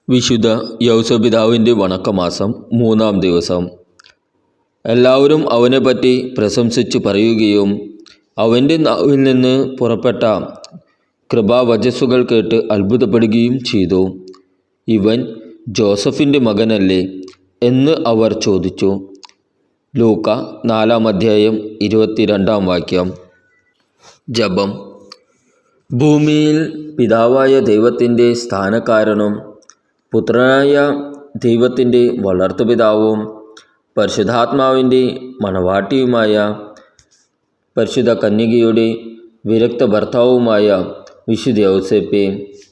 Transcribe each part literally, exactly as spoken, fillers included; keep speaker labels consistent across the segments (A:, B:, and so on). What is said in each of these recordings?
A: വിശുദ്ധ യൗസപിതാവിൻ്റെ വണക്കമാസം മൂന്നാം ദിവസം. എല്ലാവരും അവനെപ്പറ്റി പ്രശംസിച്ച് പറയുകയും അവൻ്റെ നാവിൽ നിന്ന് പുറപ്പെട്ട കൃപാവചസ്സുകൾ കേട്ട് അത്ഭുതപ്പെടുകയും ചെയ്തു. ഇവൻ ജോസഫിൻ്റെ മകനല്ലേ എന്ന് അവർ ചോദിച്ചു. ലൂക്ക നാലാം അധ്യായം ഇരുപത്തിരണ്ടാം വാക്യം. ജപം. ഭൂമിയിൽ പിതാവായ ദൈവത്തിൻ്റെ സ്ഥാനക്കാരനും പുത്രനായ ദൈവത്തിൻ്റെ വളർത്തുപിതാവും പരിശുദ്ധാത്മാവിൻ്റെ മണവാട്ടിയുമായ പരിശുദ്ധ കന്യകയുടെ വിരക്ത ഭർത്താവുമായ വിശുദ്ധ യൗസേപ്പേ,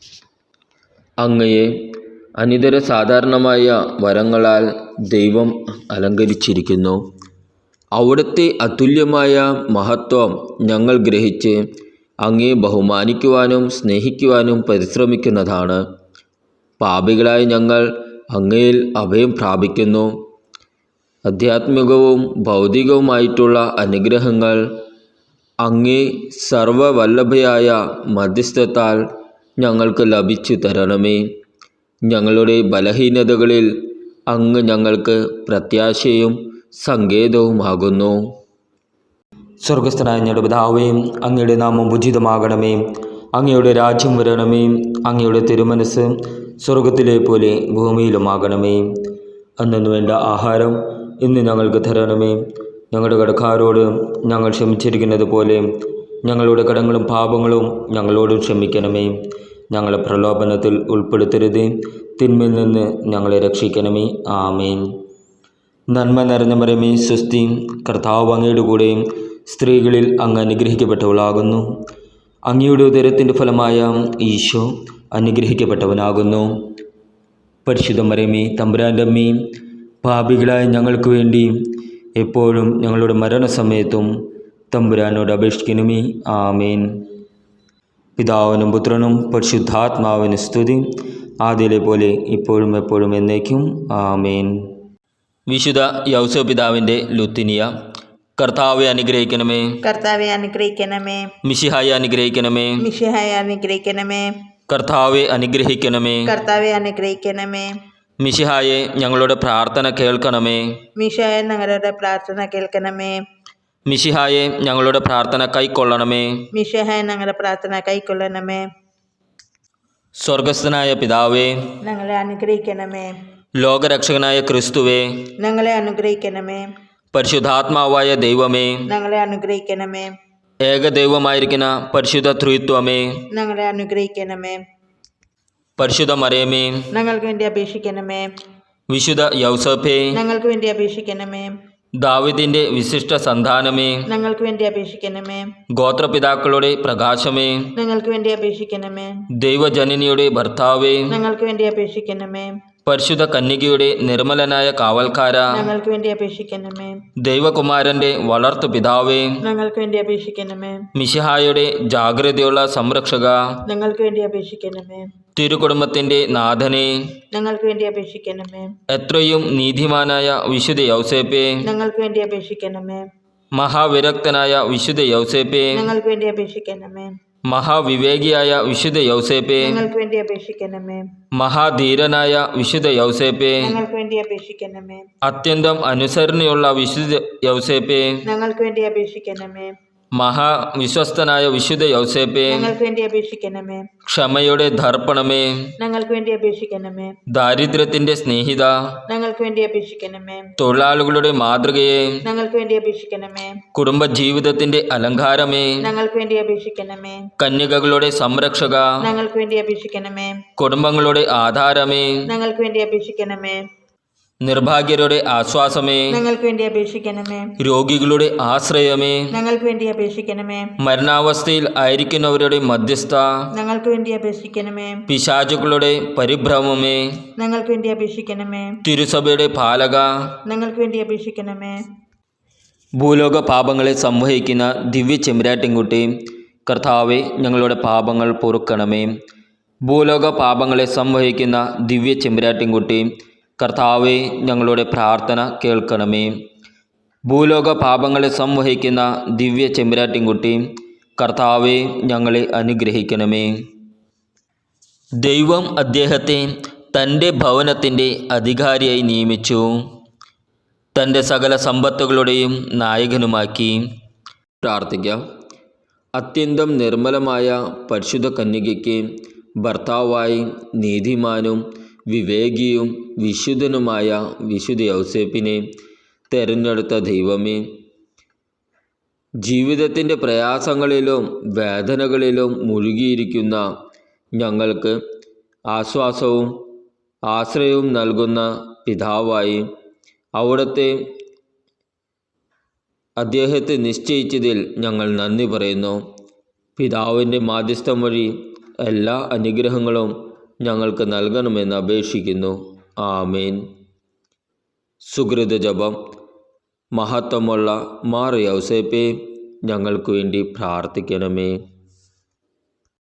A: അങ്ങയെ അനിതര സാധാരണമായ വരങ്ങളാൽ ദൈവം അലങ്കരിച്ചിരിക്കുന്നു. അവിടുത്തെ അതുല്യമായ മഹത്വം ഞങ്ങൾ ഗ്രഹിച്ച് അങ്ങയെ ബഹുമാനിക്കുവാനും സ്നേഹിക്കുവാനും പരിശ്രമിക്കുന്നതാണ്. പാപികളായ ഞങ്ങൾ അങ്ങയിൽ അഭയം പ്രാപിക്കുന്നു. ആധ്യാത്മികവും ഭൗതികവുമായിട്ടുള്ള അനുഗ്രഹങ്ങൾ അങ്ങേ സർവവല്ലഭയായ മധ്യസ്ഥത്താൽ ഞങ്ങൾക്ക് ലഭിച്ചു തരണമേ. ഞങ്ങളുടെ ബലഹീനതകളിൽ അങ്ങ് ഞങ്ങൾക്ക് പ്രത്യാശയും സങ്കേതവുമാകുന്നു.
B: സ്വർഗസ്ഥനായ ഞങ്ങളുടെ പിതാവേ, അങ്ങയുടെ നാമം ഉചിതമാകണമേ. അങ്ങയുടെ രാജ്യം വരണമേ. അങ്ങയുടെ തിരുമനസ് സ്വർഗത്തിലെ പോലെ ഭൂമിയിലുമാകണമേ. അന്നു വേണ്ട ആഹാരം ഇന്ന് ഞങ്ങൾക്ക് തരണമേ. ഞങ്ങളുടെ കടക്കാരോട് ഞങ്ങൾ ക്ഷമിച്ചിരിക്കുന്നത് പോലെ ഞങ്ങളുടെ കടങ്ങളും പാപങ്ങളും ഞങ്ങളോട് ക്ഷമിക്കണമേ. ഞങ്ങളെ പ്രലോഭനത്തിൽ ഉൾപ്പെടുത്തരുത്, തിന്മയിൽ നിന്ന് ഞങ്ങളെ രക്ഷിക്കണമേ. ആമേൻ. നന്മ നിറഞ്ഞ മറിയമേ, സ്വസ്തി, കർത്താവ് അങ്ങയുടെ കൂടെ സ്ത്രീകളിൽ അങ്ങ് അനുഗ്രഹിക്കപ്പെട്ടവളാകുന്നു. അങ്ങയുടെ ഉദരത്തിൻ്റെ ഫലമായ ഈശോ അനുഗ്രഹിക്കപ്പെട്ടവനാകുന്നു. പരിശുദ്ധ മറിയമേ, തമ്പുരാൻ്റെ അമ്മേ, പാപികളായ ഞങ്ങൾക്ക് വേണ്ടി എപ്പോഴും ഞങ്ങളുടെ മരണസമയത്തും തമ്പുരാനോട് അപേക്ഷിക്കണമേ. ആമേൻ. പിതാവിനും പുത്രനും പരിശുദ്ധാത്മാവിന് സ്തുതി, ആദ്യയിലെ പോലെ ഇപ്പോഴും എപ്പോഴും എന്നേക്കും. ആമേൻ.
A: വിശുദ്ധ യൗസപിതാവിൻ്റെ ലുത്തിനിയ. കർത്താവെ അനുഗ്രഹിക്കണമേ.
C: കർത്താവെ അനുഗ്രഹിക്കണമേ.
A: മിശിഹായെ അനുഗ്രഹിക്കണമേ.
C: മിശിഹായെ അനുഗ്രഹിക്കണമേ.
A: കർത്താവെ അനുഗ്രഹിക്കണമേ.
C: കർത്താവെ അനുഗ്രഹിക്കണമേ.
A: മിശിഹായെ ഞങ്ങളുടെ പ്രാർത്ഥന കേൾക്കണമേ.
C: മിശിഹായെ ഞങ്ങളുടെ പ്രാർത്ഥന കേൾക്കണമേ.
A: മിശിഹായെ ഞങ്ങളുടെ പ്രാർത്ഥന കൈക്കൊള്ളണമേ.
C: മിശിഹായെ ഞങ്ങളുടെ പ്രാർത്ഥന കൈക്കൊള്ളണമേ.
A: സ്വർഗസ്ഥനായ പിതാവേ,
C: ഞങ്ങളെ അനുഗ്രഹിക്കണമേ.
A: ലോകരക്ഷകനായ ക്രിസ്തുവേ,
C: ഞങ്ങളെ അനുഗ്രഹിക്കണമേ.
A: പരിശുദ്ധാത്മാവായ ദൈവമേ,
C: ഞങ്ങളെ അനുഗ്രഹിക്കണമേ.
A: ഏകദൈവമായിരിക്കുന്ന പരിശുദ്ധ ത്രിത്വമേ,
C: ഞങ്ങളെ അനുഗ്രഹിക്കണമേ.
A: പരിശുദ്ധ മറിയമേ,
C: ഞങ്ങൾക്ക് വേണ്ടി അപേക്ഷിക്കണമേ.
A: വിശുദ്ധ യൗസേപ്പേ,
C: ഞങ്ങൾക്ക് വേണ്ടി അപേക്ഷിക്കണമേ.
A: ദാവീദിന്റെ വിശിഷ്ട സന്താനമേ,
C: ഞങ്ങൾക്ക് വേണ്ടി അപേക്ഷിക്കണമേ.
A: ഗോത്രപിതാക്കളുടെ പ്രകാശമേ,
C: ഞങ്ങൾക്ക് വേണ്ടി അപേക്ഷിക്കണമേ.
A: ദൈവജനനിയുടെ ഭർത്താവേ,
C: ഞങ്ങൾക്ക് വേണ്ടി അപേക്ഷിക്കണമേ.
A: പരിശുദ്ധ കന്യകയുടെ നിർമ്മലനായ കാവൽക്കാര,
C: ഞങ്ങൾക്ക് വേണ്ടി അപേക്ഷിക്കണമേ.
A: ദൈവകുമാരന്റെ വളർത്തു പിതാവേ,
C: ഞങ്ങൾക്ക് വേണ്ടി അപേക്ഷിക്കണമേ.
A: മിശിഹായുടെ ജാഗ്രതയുള്ള സംരക്ഷക,
C: ഞങ്ങൾക്ക് വേണ്ടി അപേക്ഷിക്കണമേ.
A: തിരുകുടുംബത്തിന്റെ നാഥനെ,
C: ഞങ്ങൾക്ക് വേണ്ടി അപേക്ഷിക്കണമേ.
A: എത്രയും നീതിമാനായ വിശുദ്ധ യൗസേപ്പേ,
C: ഞങ്ങൾക്ക് വേണ്ടി അപേക്ഷിക്കണമേ.
A: മഹാവിരക്തനായ വിശുദ്ധ യൗസേപ്പേ,
C: ഞങ്ങൾക്ക് വേണ്ടി അപേക്ഷിക്കണമേ.
A: മഹാവിവേകിയായ വിശുദ്ധ യൗസേപ്പേ,
C: ഞങ്ങൾക്ക് വേണ്ടി അപേക്ഷിക്കണമേ.
A: മഹാധീരനായ വിശുദ്ധ യൗസേപ്പേ,
C: ഞങ്ങൾക്ക് വേണ്ടി അപേക്ഷിക്കണമേ.
A: അത്യന്തം അനുസരണയുള്ള വിശുദ്ധ യൗസേപ്പേ,
C: ഞങ്ങൾക്ക് വേണ്ടി അപേക്ഷിക്കണമേ.
A: മഹാവിശ്വസ്തനായ വിശുദ്ധ യൗസേപ്പേ,
C: ഞങ്ങൾക്ക് വേണ്ടി അപേക്ഷിക്കണമേ.
A: ക്ഷമയുടെ ദർപ്പണമേ,
C: ഞങ്ങൾക്ക് വേണ്ടി അപേക്ഷിക്കണമേ.
A: ദാരിദ്ര്യത്തിന്റെ സ്നേഹിത,
C: ഞങ്ങൾക്ക് വേണ്ടി അപേക്ഷിക്കണമേ.
A: തൊഴിലാളികളുടെ മാതൃകയെ,
C: ഞങ്ങൾക്ക് വേണ്ടി അപേക്ഷിക്കണമേ.
A: കുടുംബജീവിതത്തിന്റെ അലങ്കാരമേ,
C: ഞങ്ങൾക്ക് വേണ്ടി അപേക്ഷിക്കണമേ.
A: കന്യകകളുടെ സംരക്ഷക,
C: ഞങ്ങൾക്ക് വേണ്ടി അപേക്ഷിക്കണമേ.
A: കുടുംബങ്ങളുടെ ആധാരമേ,
C: ഞങ്ങൾക്ക് വേണ്ടി അപേക്ഷിക്കണമേ.
A: നിർഭാഗ്യരുടെ ആശ്വാസമേ,
C: ഞങ്ങൾക്ക് വേണ്ടി അപേക്ഷിക്കണമേ.
A: രോഗികളുടെ ആശ്രയമേ,
C: ഞങ്ങൾക്ക് വേണ്ടി അപേക്ഷിക്കണമേ.
A: മരണാവസ്ഥയിൽ ആയിരിക്കുന്നവരുടെ മധ്യസ്ഥ,
C: ഞങ്ങൾക്ക് വേണ്ടി അപേക്ഷിക്കണമേ.
A: പിശാചുക്കളുടെ പരിഭ്രമമേ,
C: ഞങ്ങൾക്ക് വേണ്ടി അപേക്ഷിക്കണമേ.
A: തിരുസഭയുടെ പാലക,
C: ഞങ്ങൾക്ക് വേണ്ടി അപേക്ഷിക്കണമേ.
A: ഭൂലോക പാപങ്ങളെ സംവഹിക്കുന്ന ദിവ്യ ചെമ്പരാട്ടിൻകുട്ടി, കർത്താവെ ഞങ്ങളുടെ പാപങ്ങൾ പൊറുക്കണമേ. ഭൂലോക പാപങ്ങളെ സംവഹിക്കുന്ന ദിവ്യ ചെമ്പരാട്ടിൻകുട്ടി, കർത്താവെ ഞങ്ങളുടെ പ്രാർത്ഥന കേൾക്കണമേ. ഭൂലോക പാപങ്ങളെ സംവഹിക്കുന്ന ദിവ്യ ചെമ്പരാട്ടിൻകുട്ടി, കർത്താവെ ഞങ്ങളെ അനുഗ്രഹിക്കണമേ. ദൈവം അദ്ദേഹത്തെ തൻ്റെ ഭവനത്തിൻ്റെ അധികാരിയായി നിയമിച്ചു. തൻ്റെ സകല സമ്പത്തുകളുടെയും നായകനുമാക്കി. പ്രാർത്ഥിക്കാം. അത്യന്തം നിർമ്മലമായ പരിശുദ്ധ കന്യകയ്ക്ക് ഭർത്താവായി നീതിമാനും വിവേകിയും വിശുദ്ധനുമായ വിശുദ്ധ യൗസേപ്പിനെ തിരഞ്ഞെടുത്ത ദൈവമേ, ജീവിതത്തിൻ്റെ പ്രയാസങ്ങളിലും വേദനകളിലും മുഴുകിയിരിക്കുന്ന ഞങ്ങൾക്ക് ആശ്വാസവും ആശ്രയവും നൽകുന്ന പിതാവായി അവിടുത്തെ അദ്ദേഹത്തെ നിശ്ചയിച്ചതിൽ ഞങ്ങൾ നന്ദി പറയുന്നു. പിതാവിൻ്റെ മാധ്യസ്ഥം വഴി എല്ലാ അനുഗ്രഹങ്ങളും ഞങ്ങൾക്ക് നൽകണമെന്ന് അപേക്ഷിക്കുന്നു. ആമേൻ. സുകൃത ജപം. മഹത്വമുള്ള മാർ യൗസേപ്പേ, ഞങ്ങൾക്ക് വേണ്ടി പ്രാർത്ഥിക്കണമേ.